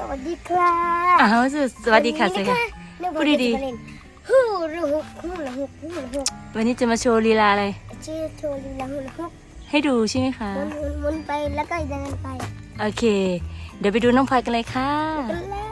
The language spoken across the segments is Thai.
วัสดีครับสวัสดีค่ะสวัสดีค่ะพูดดีๆฮู้ละฮุกฮู้ละฮุกฮู้ละฮุกๆวันนี้จะมาโชว์ลีลาอะไรชื่อโทลีละฮุละฮุกให้ดูใช่ไหมคะหมุนไปแล้วก็เดินไปโอเค เดี๋ยวไปดูน้องพลอยกันเลยค่ะกันเลย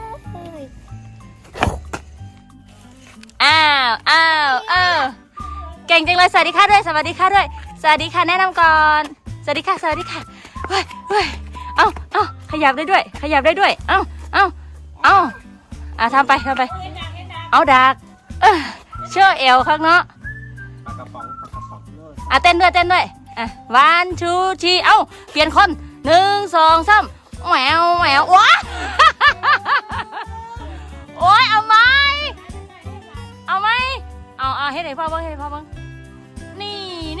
อ้าวเก่งจังเลยสวัสดีค่ะด้วยสวัสดีค่ะด้วยสวัสดีค่ะแนะนำก่อนสวัสดีค่ะเฮ้ยเอาขยับได้ด้วยเอาทำไปเอาดักเชื่อเอวข้างเนาะปากกระป๋องเต้นด้วยวันทูทีเอ้าเปลี่ยนคน1 2 3แหววว้าโอ้ยเอาไหมเอาให้ไหนพ่อบ้างนี่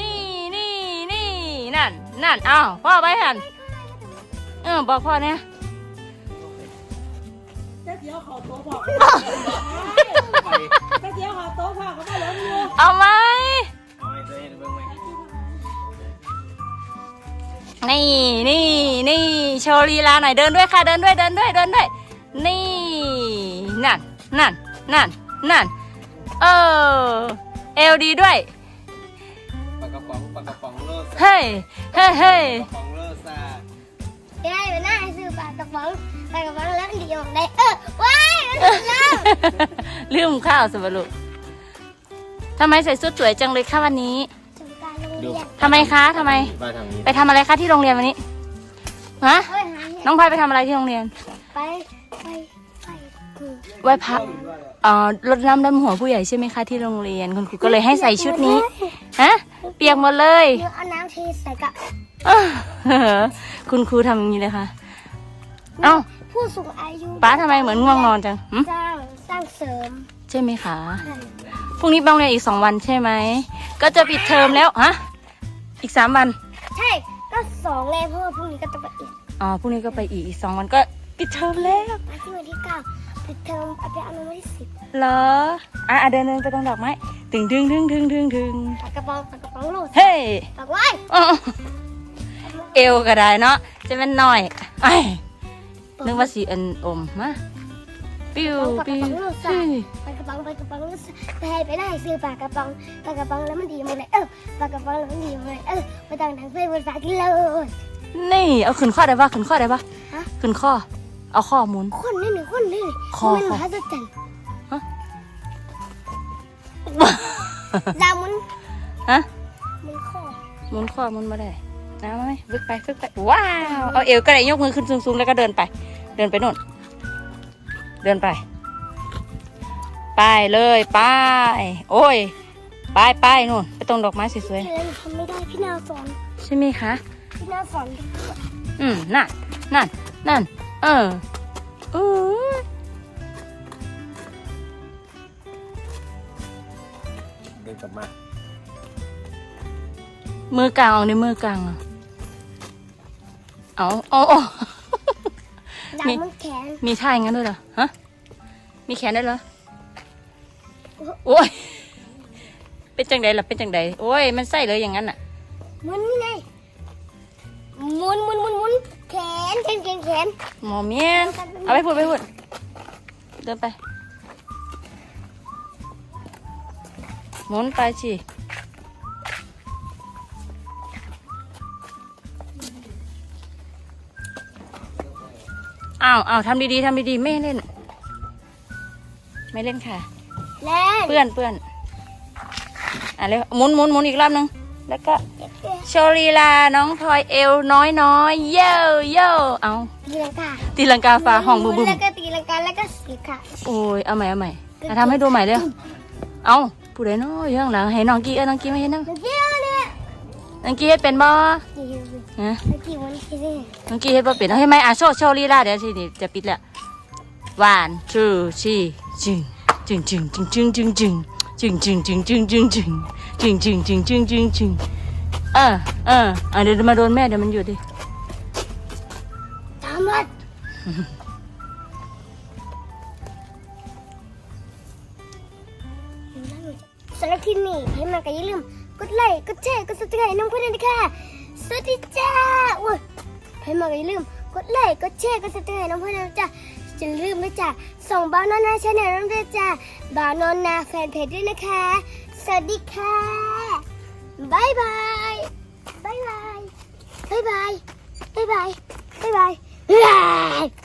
นั่นเอาพ่อไปหันบอกพ่อเนี่ยเดี๋ยวขอโต๊ะพ่อเขาไม่ล้มอยู่เอาไหมเอาไว้ตัวเองเบิ่งไว้นี่โชว์ลีลาหน่อยเดินด้วยค่ะเดินด้วยนี่นั่นเอวดีด้วยปากกระป๋องเลิศเฮ้ยปากกระป๋องเลิศซ่าได้ไปหน้าให้ซื้อปลากระป๋องแล้วเดี๋ยวได้ว้ายแล้วลืมข้าวสบลุทำไมใส่ชุดสวยจังเลยคะวันนี้ถึงการโรงเรียนทำไมคะทำไมมาทางนี้ไปทำอะไรคะที่โรงเรียนวันนี้ฮะเฮ้ยหาน้องพลอยไปทำอะไรที่โรงเรียนไปคือไหว้พระรดน้ำดำหัวผู้ใหญ่ใช่ไหมคะที่โรงเรียนคุณครูก็เลยให้ใส่ชุดนี้ฮะเปียกหมดเลยเดี๋ยวเอาน้ำเทใส่กะคุณครูทำอย่างนี้เลยค่ะเอ้าผู้สูงอายุป้าทำไมเหมือนง่วงนอนจังหึสร้างเสริมใช่ไหมคะพรุ่งนี้ไปโรงเรียนอีก2 วันใช่ไหมก็จะปิดเทอมแล้วฮะอีก3 วันใช่ก็2เลยเพราะว่าพรุ่งนี้ก็ต้องไปอีกพรุ่งนี้ก็ไปอีก2 วันก็ปิดเทอมแล้วมาที่วันที่9ปิดเทอมเอาไปเอาวันที่10 เหรอเดินไปตรงดอกไม้ถึงปากกระป๋องโหลดเฮ้ยปากไว้เอวก็ได้เนาะจะเป็นหน่อยไอ้นึกว่าสีอันอมมาปิ้วปากกระป๋องโหลดเฮ้ยปากกระป๋องโหลดไปให้ไปได้ซื้อปากกระป๋องแล้วมันดีหมดเลยปากกระป๋องแล้วมันดีหมดเลยไปต่างทางเฟซภาษากินเลยนี่เอาขึ้นข้อได้ปะขึ้นข้อฮะขึ้นข้อเอาข้อหมุนคนนี่คอมันมหัศจรรย์ฮะดาวมันฮะมันข้อหมุนข้อหมุนมาได้นะไหมฝึกไปว้าวเอาเอวก็ได้ยกมือขึ้นสูงๆแล้วก็เดินไปโน่นเดินไปเลยไปโอ้ยไปนู่นไปตรงดอกไม้สวยเล่นทำไม่ได้พี่นาวสอนๆใช่ไหมคะพี่นาวสอนนั่นอู้เดินกลับมามือกลางเอาในมือกลางเอาดาวมันแขนมีท่าอย่างนั้นด้วยเหรอฮะมีแขนด้วยเหรอโอ้ยเป็นจังใดล่ะโอ้ยมันใส่เลยอย่างนั้นอ่ะหมุนนี่ไงหมุนแขนหมอเมียนเอาไปพูดเดินไปหมุนไปสิอ้าวทำดีๆไม่เล่นค่ะเล่นเปื้อนเร็วหมุนอีกรอบนึงแล้วก็โชว์ลีลาน้องพลอยเอวน้อยเย่เอาตีลังกาตีลังกาฟ้าห้องบึ้มแล้วก็ตีลังกาแล้วก็สีค่ะโอ้ยเอาใหม่ทำให้ดูใหม่เร็วเอาผู้ใดน้อยข้างหลังให้น้องกี้น้องกี้มาเห็นน้องเมื่อกี้เนี่ยน้องกี้เฮ็ดเป็นบ่ฮะเมื่อกี้วันที่นี่น้องกี้เฮ็ดบ่เป็นเอาให้ไหมโชว์ลีลาเดี๋ยวทีนี้จะปิดแล้ว1 2 3จึงเดี๋ยวมาโดนแม่เดี๋ยวมันหยุดดิตามมาสำหรับที่นี่ให้มาก็อย่าลืมกดไลค์กดแชร์กดซับสไครต์น้องเพื่อนด้วยนะคะสวัสดีจ้าให้มาก็อย่าลืมกดไลค์กดแชร์กดซับสไครต์น้องเพื่อนด้วยจ้าจะลืมนะจ๊ะส่งบ้านนอนนาชาแนลน้ำด้วยจ้ะบ้านนอนนาแฟนเพจด้วยนะคะสวัสดีค่ะบายบายบายบายบายบายบายบายบายบาย